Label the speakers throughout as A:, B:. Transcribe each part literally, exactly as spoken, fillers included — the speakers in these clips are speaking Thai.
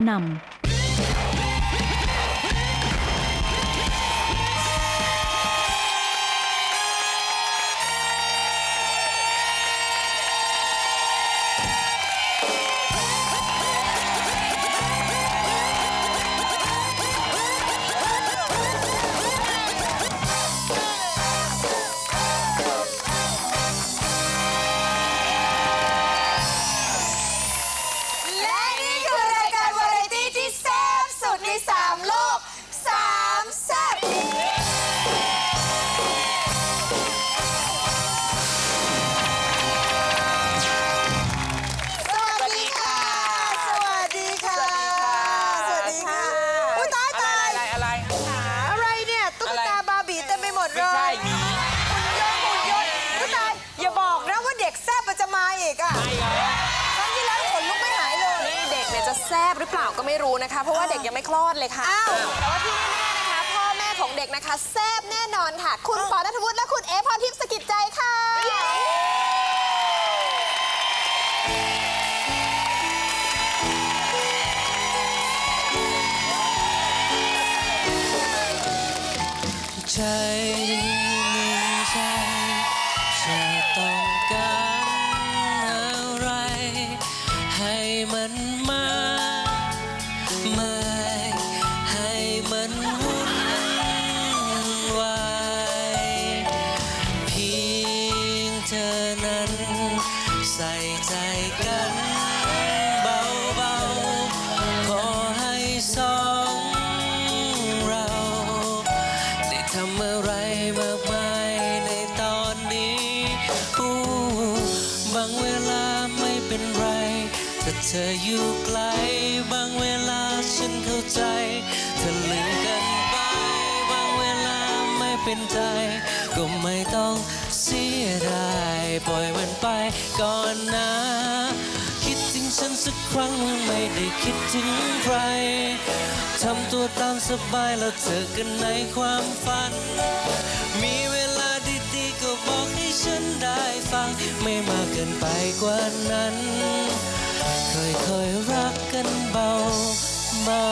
A: นำ
B: แซ่บหรือเปล่าก็ไม่รู้นะคะเพราะว่าเด็กยังไม่คลอดเลยค่ะแต่ว่าที่แน่ๆนะคะพ่อแม่ของเด็กนะคะแซ่บแน่นอนค่ะคุณปอณัฐวุฒิและคุณเอพรทิพย์สกิจใจค่ะ
C: ใจหนึ่งใจจะต้องการอะไรให้มันมาเมื่อยให้มันวุ่นวายเพียงเธอนั้นใส่ใจกันเบาๆขอให้สองเราได้ทำอะไรมากมายในตอนนี้บางเวลาไม่เป็นไรถ้าเธออยู่ไกลบางเวลาฉันเข้าใจเธอลืมกันไปบางเวลาไม่เป็นใจก็ไม่ต้องเสียดายปล่อยมันไปก่อนนะคิดถึงฉันสักครั้งไม่ได้คิดถึงใครทำตัวตามสบายแล้วเจอกันในความฝันมีเวลาดีๆก็บอกให้ฉันได้ฟังไม่มากเกินไปกว่านั้นค่อยๆรักกันเบาเบา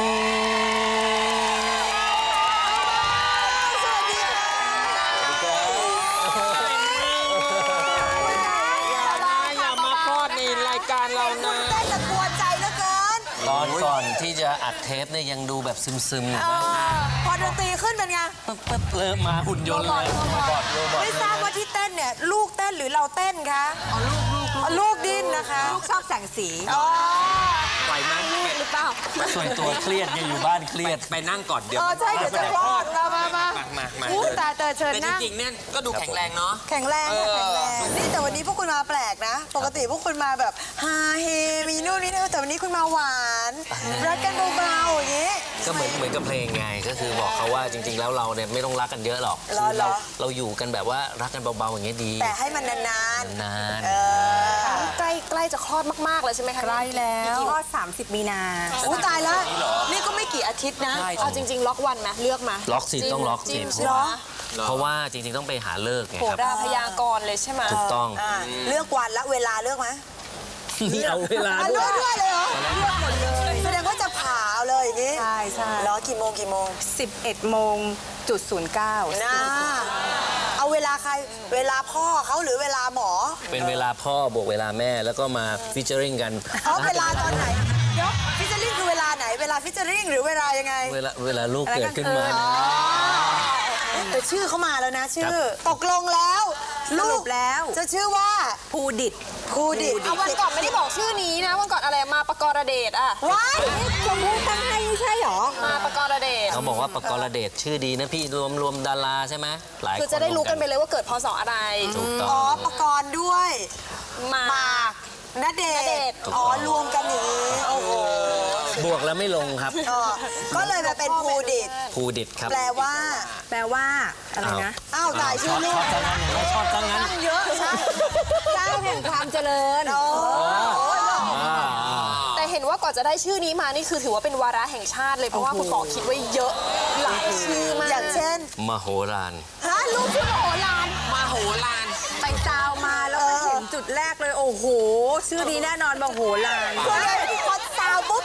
D: อย่ามาคลอดในรายการเรานะ
B: ได้แต่กลัวใจเหลือเกิน
C: ตอนก่อนที่จะอัดเทปเนี่ยยังดูแบบซึมๆอยู่นะ
B: พอดนตรีขึ้นเป็นไง
C: ปั๊บปั๊บเริ่มมาหุ่นยนต์เลยโรบอทโรบอท
B: ไม่ทราบว่าที่เต้นเนี่ยลูกเต้นหรือเราเต้นคะอ๋อลูกลูกลูกดิ้นนะคะลูกชอบแสงสีอ๋อ
D: ปล่อยมัน
B: ลูกหรือเปล่า
C: ส่วนตัวเครียดยังอยู่บ้านเครียด
D: ไปนั่งก่อนเดี๋ยว
B: เออใช่เดี๋ยวจะคลอดมามามา
D: มามา
B: อู้ตาเตอเชิญ
D: แต่จ
B: นั่ง
D: ริงๆเนี่ยก็ดูแข็งแรงเนาะ
B: แข็งแรงค่ะแข็งแรงนี่แต่วันนี้พวกคุณมาแปลกนะ ปกติพวกคุณมาแบบฮาเฮมีนู่นนี่นั่นแต่วันนี้คุณมาหวานรักกันเบาๆอย่างนี้
C: ก็เหมือนเหมือนกับเพลงไงก็คือบอกเขาว่าจริงๆแล้วเราเนี่ยไม่ต้องรักกันเยอะหรอก
B: รอ
C: เราเราอยู่กันแบบว่ารักกันเบาๆอย่างเงี้ยดี
B: แต่ให้มันนาน
C: นาน
B: ๆเออ
E: ใกล้ใกล้จะคลอดมาก ๆ เลยใช่ไหมคะ
B: ใกล้แล้ว
E: คลอด สามสิบ มีนา
B: อู้ตายแล้วนี่ก็ไม่กี่อาทิตย์นะ
E: เอาจริง ๆ ล็อกวันไหมเลือกมา
C: ล็อกสิต้องล็อกสิ
E: จิ้ม
B: เหรอ
C: เพราะว่าจริงๆต้องไปหาเลิกไง
E: โห
C: ครับ
E: ราพยากรณ์เลยใช่ไหม
C: ถูกต้อง
B: อ่าเลือกวันและเวลาเลือกไหม
C: นี่เอาเวลา
B: อ่ะ
C: ด้
B: เลื
C: ว
B: อก
C: ย
B: ด้วยเลยเหรอเลือกหมดเลยแสดงว่าจะผ่าเอาเลยอย่างนี้
E: ใช่ใช่
B: เหรอกี่โมงกี่โมง
E: สิบเอ็ดโมงจุดศูนย์เก้า
B: นะเอาเวลาใครเวลาพ่อเขาหรือเวลาหมอ
C: เป็นเวลาพ่อบวกเวลาแม่แล้วก็มาฟิชเชอริงกัน
B: เอาเวลาตอนไหนเดี๋ยวฟิชเชอริ่งคือเวลาไหนเวลาฟิชเชอริ่งหรือเวลายังไง
C: เวลาเวลาลูกเกิดขึ้นมา
B: อ๋อแต่ชื่อเขามาแล้วนะชื่อ ตกลงแล้วลูกแล้วจะชื่อว่า
E: ภูดิต
B: ภูดิต
E: เอาวันก่อนไม่ได้บอกชื่อนี้นะวันก่อนอะไรมาปกรเดชอะ
B: ว้ายชมพู่ตั้งให้ไม่ใช่หรอ
E: มาปกรเดช
C: เขาบอกว่าปกรเดชชื่อดีนะพี่รวมรวมดาราใช่ไหมหลายคน
E: คือจะได้รู้กันไปเลยว่าเกิดพศอะไร
C: ถูกต้อ
B: อ๋อง ประกรณ์ด้วย
E: มา
B: หมากณเด
E: ณเด
B: ช
E: ชน์
B: อ๋อรวมกันอย่างนี้โอ้โห
C: บวกแล้วไม่ลงครับ
B: อ๋อก็เลยมาเป็นภูดิต
C: ภูดิตครับ
B: แปลว่า
E: แปลว่าอะไรนะ
B: อ้าวตายชื่อลู
C: ช
B: ก
C: อบจังงั้นอย่างไรชอบจังงั้น
B: ตั้งเยอะใช่
E: เจ้าแห่งความเจริญ
B: โอ้
C: อ่า
E: แต่เห็นว่าก่อนจะได้ชื่อนี้มานี่คือถือว่าเป็นวาระแห่งชาติเลยเพราะว่าคุณปอคิดไว้เยอะหลายชื่อมาก
B: อย่างเช่น
C: มโหฬาร
B: ฮะลูกชื่อโหราน
D: มาโหฬาร
E: ไปซาวมาแล้วก็เห็นจุดแรกเลยโอ้โห ชื่อนี้แน่นอนมโหฬาร
B: ก็เลยพอซาวปุ๊บ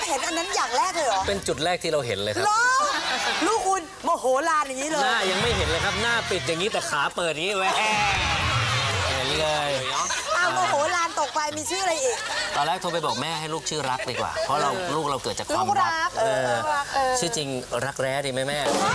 A: เห็นอันนั้นอย่างแรกเลยเหรอ
C: เป็นจุดแรกที่เราเห็นเลยครับ
A: เหรอลูกคุณโมโหลานอย่างนี้เล
C: ห
A: ย
C: น้ายังไม่เห็นเลยครับ หน้าปิดอย่างนี้แต่ขาเปิดอย่างนี้แหวะเห็นเลย
A: อ้าวโมโหลานตกไปมีชื่ออะไรอีก
C: ตอนแรกโทรไปบอกแม่ให้ลูกชื่อรักดีกว่า เพราะเราลูกเราเกิดจากความ
E: ลูกรั
C: รั
E: ก
C: กเออ
E: ลูกรักเออ
C: ชื่อจริงรักแร้ดีไหมแม่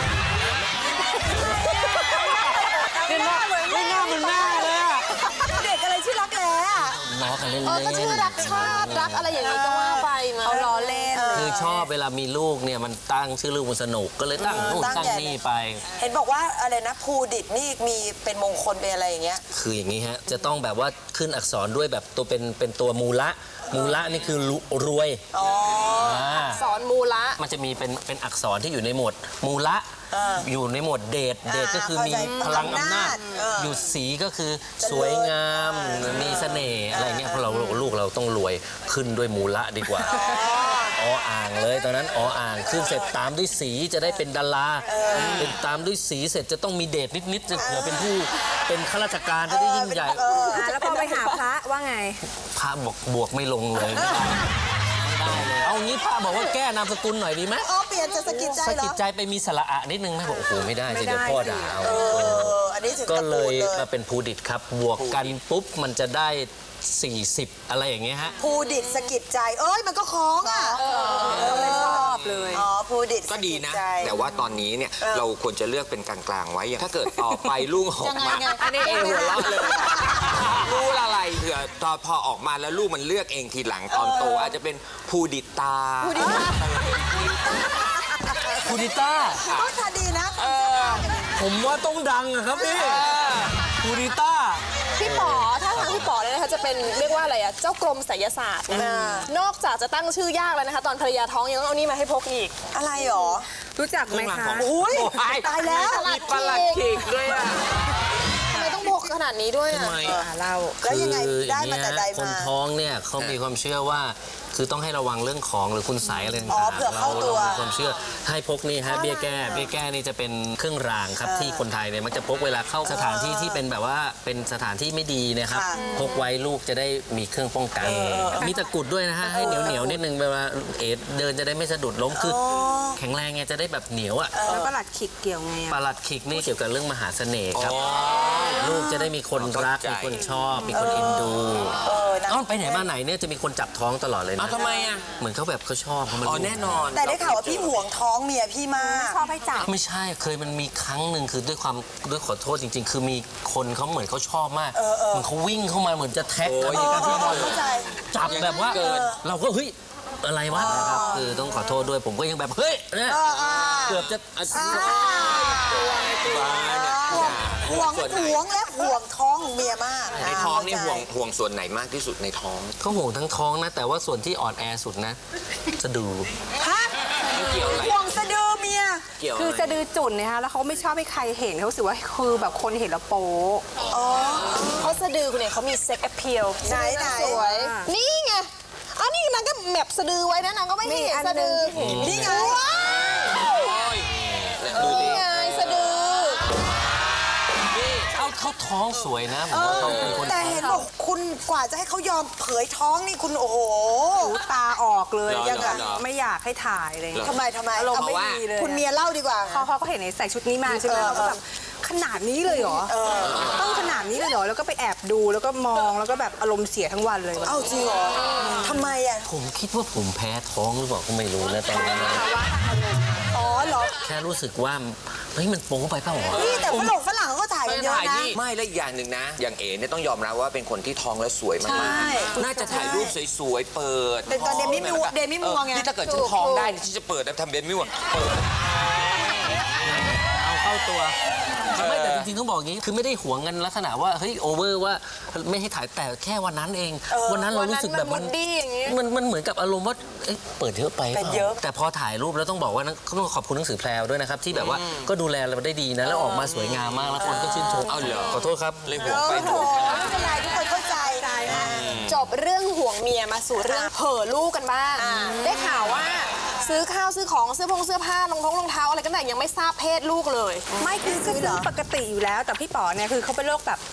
A: ไม่น่าเหมือนแม่เลยอะเด็กอะไรชื่อรักแร้อะ
C: ล้อกันเล่น
E: เออก็ชื่อรักชาติรักอะไรอย่างนี้ก็ว่าไปมา
A: เอาล้อเล่น
C: คือชอบเวลามีลูกเนี่ยมันตั้งชื่อลูกมันสนุกก็เลยตั้งนู่น
A: ตั้ง
C: ตั้ง
A: ใหญ่
C: นี่ไป
A: เห็นบอกว่าอะไรนะภูดิตนี่มีเป็นมงคลเป็นอะไรอย่างเงี้ย
C: คืออย่างนี้ฮะจะต้องแบบว่าขึ้นอักษรด้วยแบบตัวเป็นเป็นตัวมูละมูละนี่คือรุรวย
A: อ๋อ
C: า
E: สอนมูละ
C: มันจะมีเป็นเป็นอักษรที่อยู่ในหมวดมูละ
A: เออ
C: อยู่ในหมวดเดชเดชก็คือมี
A: เข้าใจ
C: พลังอำนาจ
A: เออ
C: อยู่สีก็คือสวยงามมีเสน่ห์อะไรเงี้ยเพราะเราลูกเราต้องรวยขึ้นด้วยมูละดีกว่าออ่างเลยตอนนั้นออ่างขึ้นเสร็จตามด้วยสีจะได้เป็นดาราเป็นตามด้วยสีเสร็จจะต้องมีเดชนิดๆจะเผื่อเป็นผู้เป็นข้าราชการจะได้ยิ่งใหญ่
E: แล้วพอไปหาพระว่าไง
C: พระบอกบวกไม่ลงเลยไม่ได้ไม่ได้เลยเอางี้พระบอกว่าแก้นามสกุลหน่อยดีไหม
A: อ๋อเปลี่ยนจะสะกิดใจ
C: สะ
A: เหร
C: กิ
A: อ
C: ดใจไปมีสระอะนิดนึงไหมบอกโอ้โหไม่ได้สิเดี๋ยวพ่อด่าเอา
A: เอออันนี้ถึง
C: ก็
A: ตะ
C: เล
A: ปู
C: ย
A: ดเลย
C: มาเป็นภูดิตครับ บวกกันปุ๊บมันจะได้ สี่สิบ อะไรอย่างเงี้ยฮะ
A: ภูดิตสะกิดใจ เอ้ยมันก็คล้องอ่ะไม่ชอบเลย อ๋อภูดิต
D: ก็ดีนะ
A: สกิใจ
D: แต่ว่าตอนนี้เนี่ยเราควรจะเลือกเป็นกลางๆไว้อย่างถ้าเกิดต่อไปลูกออกมาอันนี้เอหัวเราะเลยรู้อะไรเผื่อตอนพอออกมาแล้วลูกมันเลือกเองทีหลังตอนโตอาจจะเป็นภูดิตา
C: ภูดิต้า
A: ก็ทาดีนะ
C: ผมว่าต้องดังอะครับพี่ภูดิต้า
E: พี่ป๋อถ้าทางพี่ป๋อเนี่ยนะคะจะเป็นเรียกว่าอะไรอะเจ้ากรมไสยศาสตร์นะคะนอกจากจะตั้งชื่อยากแล้วนะคะ ตอนภรรยาท้องยังต้องเอานี่มาให้พกอีก
A: อะไรหรอ
E: รู้จักไหมคะ
A: อุ้ยตายแล้ว
D: มีประหลัดขีกด้วยอ่ะ
E: ทำไมต้องพกขนาดนี้ด้วยอะ
C: ทำไม
E: เรา
A: แล้วยังไง
C: คือ
A: ได้
C: อย่าง
A: มา
C: เงี้
A: แต่
C: ย
A: ใด
C: คน
A: มา
C: ท้องเนี่ยเขามีความเชื่อว่า คือต้องให้ระวังเรื่องของหรือคุณไสยอะไรต่าง
A: อ๋อ
C: ๆ
A: เผื่อเข้าตัว
C: รมีความเชื่อให้พกนี่ฮะเบี้ยแก้เบี้ยแก้นี่จะเป็นเครื่องรางครับที่คนไทยเนี่ยมักจะพกเวลาเข้าสถานที่ที่เป็นแบบว่าเป็นสถานที่ไม่ดีนะครับ
A: ค่ะ
C: พกไว้ลูกจะได้มีเครื่องป้องกัน มีตะกรุดด้วยนะฮะให้เหนียวเหนียวๆนิดนึงเวลาเอดเดินจะได้ไม่สะดุดล้มคือแข็งแรงไงจะได้แบบเหนียวอ่ะ
F: แล้วประหลัดขิกเกี่ยวไง
C: ป
F: อะ
C: ลัดขิกนี่เกี่ยวกับเรื่องมหาเสน่ห์ครับ ลูกจะได้มีคนรัก
D: เข้าใจ
C: มีคนชอบ มีคนเอ็นดู
A: เออนะ
C: เอ้าไปไหนมาไหนเนี่ยจะมีคนจับท้องตลอดเลยนะ
D: เอาทำไมอ่ะ
C: เหมือนเขาแบบเขาชอบเขามัน
D: อ๋อแน่นอน
A: แต่ได้ข่าวว่าพี่ห่วงท้องเมียพี่มาก
F: ชอบให้จับ
C: ไม่ใช่เคยมันมีครั้งหนึ่งคือด้วยความด้วยขอโทษจริง ๆ คือมีคนเขาเหมือนเขาชอบมากเหมือนเขาวิ่งเข้ามาเหมือนจะแท็ก
D: โอ้ย
C: อะไรกันที่บอล
A: เข้าใจ
C: จับแบบว่า
D: เกิน
C: เราก็เฮ้ยอะไรวะนะครับคือต้องขอโทษด้วยผมก็ยังแบบเฮ้ยเนี่ยเกือบจะ
A: ห่วงห่วงและห่วงท้องเมียมาก
D: ในท้องนี่ห่วงห่วงส่วนไหนมากที่สุดในท้อง
C: เขาห่วงทั้งท้องนะ แต่ว่าส่วนที่อ่อนแอสุดนะจะดู
A: ฮะ
D: มันเกี่ยวอะไร
A: ห่วงสะดือเมีย
D: เกี่ยว
F: คือ
D: อะไร
F: สะดือจุ่นนะคะแล้วเขาไม่ชอบให้ใครเห็นเขารู้สึกว่าคือแบบคนเห็นแล้วโป๊ะ
E: เพราะสะดือคุณเนี่ยเขามีเซ็กแอพเพียล
A: ไหนไหน
E: สวย นี่ไงอันนี้นางก็แมปสะดือไว้นะนางก็ไม่ให้เห็นสะดือ
A: นี่ไง
E: ว้าว
D: ดูดิ
E: นี่ไงสะดือ
C: เอาเขาท้องสวยนะผมว่าเขาเป็นคน
A: แต่เห็นบอกคุณกว่าจะให้เขายอมเผยท้องนี่คุณโอ้โห
F: หูตาออกเลย
D: เหรอ
F: ยังไง
D: เหรอ
F: ไม่อยากให้ถ่ายเลย
A: ทำไมทำไม
F: อารมณ์
A: เอา
F: ไม่
A: ว่า
F: ดีเลย
A: คุณเมียเล่าดีกว่า
F: เขาเขาก็เห็นในใส่ชุดนี้มาใช่ไหม
A: เออ
F: เขาก็แบบขนาดนี้เลยเหรอต้องขนาดนี้เลยเหรอแล้วก็ไปแอบดูแล้วก็มองแล้วก็แบบอารมณ์เสียทั้งวันเลย
A: เอ้าจริงเหรอทำไมอ่ะ
C: ผมคิดว่าผมแพ้ท้องหรือเปล่าก็ไม่รู้นะตอนนั้นนะ
A: อ๋อเหรอ
C: แค่รู้สึกว่าเฮ้ยมันโป๊ไปเปล่าวะ
A: นี่แต่ฝรั่งฝรั่งเขาก็ถ่ายกันเยอะนะ
D: ไม่และอีกอย่างหนึ่งนะ อย่างเอ๋เนี่ยต้องยอมรับว่าเป็นคนที่ท้องแล้วสวยมาก
A: ใช่
D: ๆน่าจะถ่ายรูปสวยๆ เปิด
A: เป็นตอนเดมี่มัว
D: ท้อง
A: เดมี่มัวไง
D: เออนี่ถ้าเกิดฉันท้องได้นี่ฉันจะเปิดแล้วทำเดมี่มัวเปิด
C: เอาเข้าตัวไม่แต่จริงๆต้องบอกอย่างนี้คือไม่ได้หวงกันลักษณะว่าเฮ้ยโอเวอร์ว่าไม่ให้ถ่ายแต่แค่วันนั้นเอง วันนั้นเรารู้สึกแบบมัน
E: วันนั้นมัน moody อย่างงี้
C: มันมันเหมือนกับอารมณ์ว่าเอ้ยเปิดเยอะไป
A: เป็นเยอะ
C: แต่พอถ่ายรูปแล้วต้องบอกว่านะต้องขอบคุณหนังสือแพรวด้วยนะครับที่แบบว่าก็ดูแลเราได้ดีนะแล้วออกมาสวยงามมากแล้วคนก็ชื่นชม
D: เอาเหรอ
C: ขอโทษครับ
D: เลยห่วง
A: โอ้
D: ไป
A: โหไม่เป็นไรทุกคนเข้าใจนะ
E: จบเรื่องห่วงเมียมาสู่เรื่องเห่อลูกกันบ้าง ได้ข่าวว่าซื้อข้าวซื้อของเสื้อผงเสื้อผ้ารองท้องรองเท้าอะไรกันแต่ยังไม่ทราบเพศลูกเลย
F: ไม่คือก็ซื้อปกติอยู่แล้ว แต่พี่ป๋อเนี่ยคือเขาเป็นโรคแบบ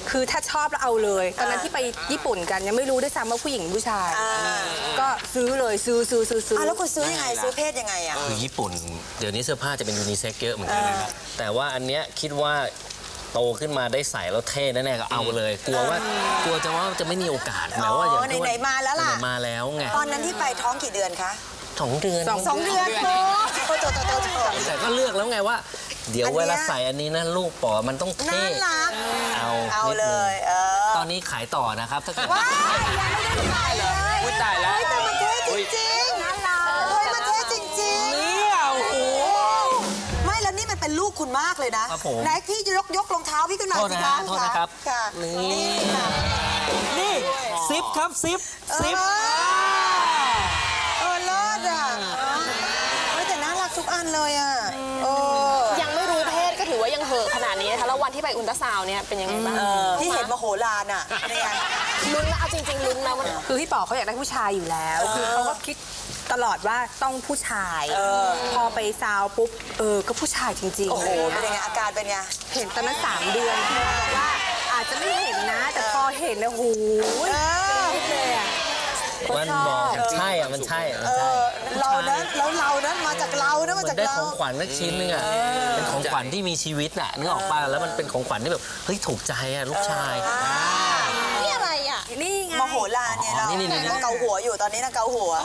F: คือถ้าชอบแล้วเอาเลยตอนนั้นที่ไปญี่ปุ่นกันยังไม่รู้ด้วยซ้ำว่าผู้หญิงผู้ชาย ก็ซื้อเลยซื้อซื้อซื้อซื้อ
A: อ่ะแล้วคุณซื้อยังไงซื้อเพศยังไงอ่ะ
C: คือญี่ปุ่น เดี๋ยวนี้เสื้อผ้าจะเป็นยูนิเซ็กเยอะเหมือนกันนะครับแต่ว่าอันเนี้ยคิดว่าโตขึ้นมาได้ใส่แล้วเท่แน่ๆก็เอาเลย กลัวว่ากลัวจะว่าจะไม่มีโอกาสหมายว่าอย่างที่
A: ไหนๆมาแล้วล่ะ
C: ไหนๆมาแล้วไง
A: ตอนนั้นที่ไปท้องกี่เดือนคะ
C: สองเดือน
A: สองเดือนโอ้โหโตโตโตโต
C: แต่ก็เลือกแล้วไงว่า เดี๋ยว
A: อันเนี้ย
C: เวลาใส่อันนี้นะลูกป๋อมันต้องเท่
A: น่ารัก
C: เอา
A: เอา
C: นิด
A: เล
C: นึง
A: ยเออ
C: ตอนนี้ขายต่อนะครับถ้าเกิด
A: ว้ายยังไม่ได้ถ่ายเลย
D: อุ๊ยตายแล้ว
A: เฮ้ยแต่มันเท่จริงๆน่ารักเฮ้ยมันเท่จริงๆ
C: เนี่ยโอ้โห
A: ไม่แล้วนี่มันเป็นลูกคุณมากเลยนะครับ
C: ผม
A: ไหนพี่ยกยกรองเท้าพี่ขึ้นมา
C: โทษ
A: สิ
C: นะ
A: คะ
C: ฮะโทษนะครับ
A: ค่ะ
C: นี่
A: ค่ะ
C: นี่ซิปครับซิปซิป
A: เออเออเลิศอ่ะเฮ้ยแต่น่ารักทุกอันเลยอ่ะเออ
E: ยังไม่รู้เพศก็ถือว่ายังเหอะขนาดนี้นะคะแล้ววันที่ไปอุลตราซาวน์เนี่ยเป็นยังไงบ้าง
A: ที่เห็นมโหฬารอ่ะเนี่ย
E: ลุ้นแล้วเอาจริงๆลุ้นนะมัน
F: คือพี่ป๋อเขาอยากได้ผู้ชายอยู่แล้ว คือเขาก็คิดตลอดว่าต้องผู้ชาย พอไปซาวปุ๊บ เออ ก็ผู้ชายจริงๆ
A: โอ้โหเป็นยังไงอาการเป็นไง
F: เห็นตอนนั้นสามเดือนพี่ป๋อบอกว่าอาจจะไม่เห็นนะ แต่พอเห็นนะโห
A: เออ
F: เลยอ่ะ
C: มันบอกใช่อ่ะมันใช่อะมันใช่
A: เรานะแล้วเรานะมาจากเรานะ
C: เห
A: มา
C: มือ
A: จาก
C: นได้
A: เรา
C: ของขวัญสักชิ้นนึงอ่ะเป็นของขวัญที่มีชีวิตอ่ะนึกออกป่ะแล้วมันเป็นของขวัญที่แบบเฮ้ยถูกใจอ่ะลูกชาย
E: นี่อะไรอ่ะ
F: นี่ไง
A: มโหฬารเนี่ยเรา
C: อ๋อนี่ๆๆ
A: นั่งเกาหัวอยู่ตอนนี้นั่งเกาหัว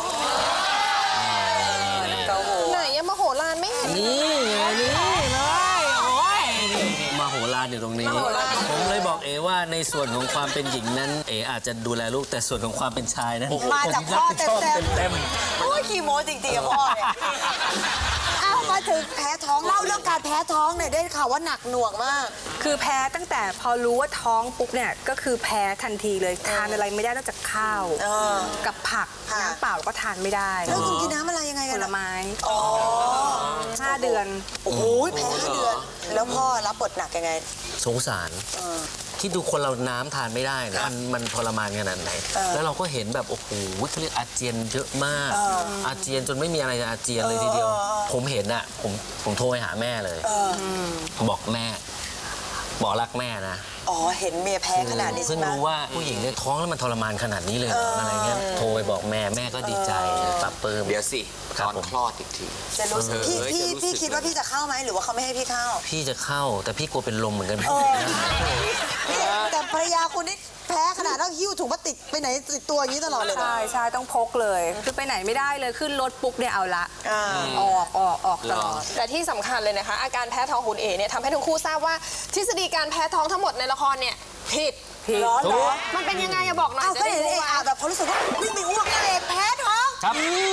A: นั่งเกาหัว
E: ไหนอะมโหฬารไม่เห็น
C: นี่ไงนี่เลยโอ้ยนี่มาโหฬารอยู่ตรงนี้ ผมเลยบอกเอว่าในส่วนของความเป็นหญิงนั้นเออาจจะดูแลลูกแต่ส่วนของความเป็นชายนั้น
A: มาจากพ่อ
C: ผมรับผิดชอบ
A: เต็ม
C: เต็ม
A: ๆโอ้ยขี้โม้จริงๆอะพ่อเนี่ยเอามาถึงแพ้ท้องเล่าเรื่องการแพ้ท้องเนี่ยได้ข่าวว่าหนักหน่วงมาก
F: คือแพ้ตั้งแต่พอรู้ว่าท้องปุ๊บเนี่ย ก็คือแพ้ทันทีเลย ทานอะไรไม่ได้นอกจากข้าว
A: เออ
F: กับผัก
A: ค่ะ
F: น้ำเปล่าก็ทานไม่ได้
A: แล้วคุณกินน้ำอะไรยังไง
F: ผ
A: กัน
F: ล
A: อะ
F: ไม้
A: อ๋อ
F: ห้าเดือน
A: โอ้โหแพ้ห้าเดือน แล้วพ่อรับบทหนักยังไง
C: สงสารคิดดูคนเราน้ำทานไม่ได้นะมันมันทรมานขนาดไหน แล้วเราก็เห็นแบบโอ้โหเขาเรียกอาเจียนเยอะมาก อาเจียนจนไม่มีอะไรจะอาเจียนเลยทีเดียว ผมเห็นอะผมผมโทรไปหาแม่เลยบอกแม่ บอกรักแม่นะ
A: อ๋อ เห็นเมียแพ้ขนาดนี้ใช่
C: เพิ่ง
A: ไหม
C: รู้ว่าผู้หญิงเนี่ยท้องแล้วมันทรมานขนาดนี้เลยเหรออะไรเงี้ยโทรไปบอกแม่แม่ก็ดีใจปรับปลื้ม
D: เดี๋ยวสิ
C: ครั
D: ต
C: บ
D: อน
C: ผม
D: คลอดอีกที
A: จะรู้สึกพี่
D: เออ
A: พี่
D: จะรู้สึก
A: พี่คิดว่าพี่จะเข้าไหมหรือว่าเขาไม่ให้พี่เข้า
C: พี่จะเข้าแต่พี่กลัวเป็นลมเหมือนกัน
A: นี่แต่ภรรยาคุณนี่แพ้ขนาดต้องหิ้วถุงพลาสติกไปไหนติดตัวอย่างนี้ตลอดเลยนะ
F: ใช่ใช่ต้องพกเลย คือไปไหนไม่ได้เลยขึ้นรถปุ๊บเนี่ยเอาละ
A: อ่า
F: ออกออกออกตลอด
E: แต่ที่สำคัญเลยนะคะ อาการแพ้ท้องคุณเอเนี่ยทำให้ทั้งคู่ทราบว่าทฤษฎีการแพ้ท้องทั้งหมดในละครเนี่ยผิด
A: ร้อนเหรอ
E: มันเป็นยังไงอะบอกหน่อย
A: อ้าว
E: จะ
A: ก็
E: ได้
A: เห็น
E: รู้
A: เอก
E: ว่า
A: อาแบบเขารู้สึกว่าวิ่งไปอ้วกนั่นเองแพ้ท้อง
C: ครับ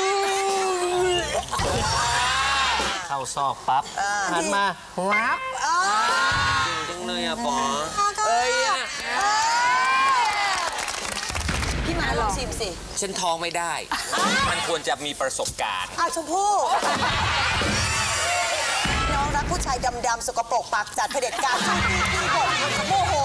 C: เข้าซอกปั๊บหันมารับ
A: อ่า
D: จังเลยอ่ะปอ
A: เอ้ยพี่มาลองชิมสิ
D: ฉันท้องไม่ได้ มันควรจะมีประสบการณ์
A: อ้าวชมพู่น้องรักผู้ชายดำๆสกปรกปากจัดเผด็จการชอบตีตีบทโมโห